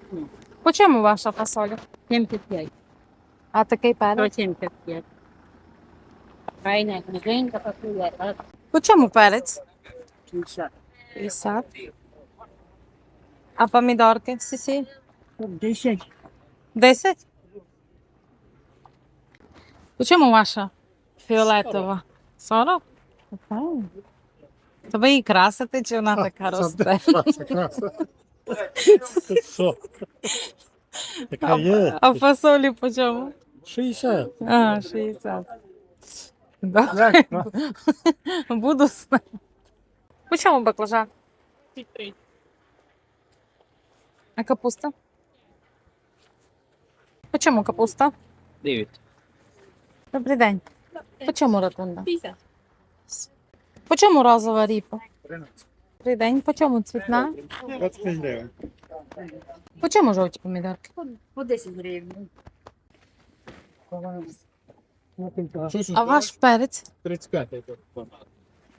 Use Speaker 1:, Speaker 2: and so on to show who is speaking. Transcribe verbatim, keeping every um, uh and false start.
Speaker 1: По чому ваша фасоля?
Speaker 2: сімдесят п'ять.
Speaker 1: А такий перець?
Speaker 2: сто сімдесят п'ять. Файна, книженька, пакує.
Speaker 1: По чому перець?
Speaker 2: шістдесят.
Speaker 1: п'ятдесят. А помідорки всі?
Speaker 2: десять.
Speaker 1: десять? По чому ваша фіолетова? сорок? Окей. То ви її красите, чи вона така росте?
Speaker 3: Краса, краса. Що? Така є.
Speaker 1: А фасолі по чому?
Speaker 3: шістдесят.
Speaker 1: А, шістдесят. Добре. Буду знати. По чому баклажан? А капуста? По чому капуста?
Speaker 4: дев'ять.
Speaker 1: Добрий день. По чому ротунда?
Speaker 2: п'ятдесят.
Speaker 1: По чому розова ріпа? Добрий день. По чому цвітна?
Speaker 3: двадцять п'ять гривень.
Speaker 1: По чому жовті помідорки?
Speaker 2: По десять гривень.
Speaker 1: А ваш перець?
Speaker 3: тридцять п'ять.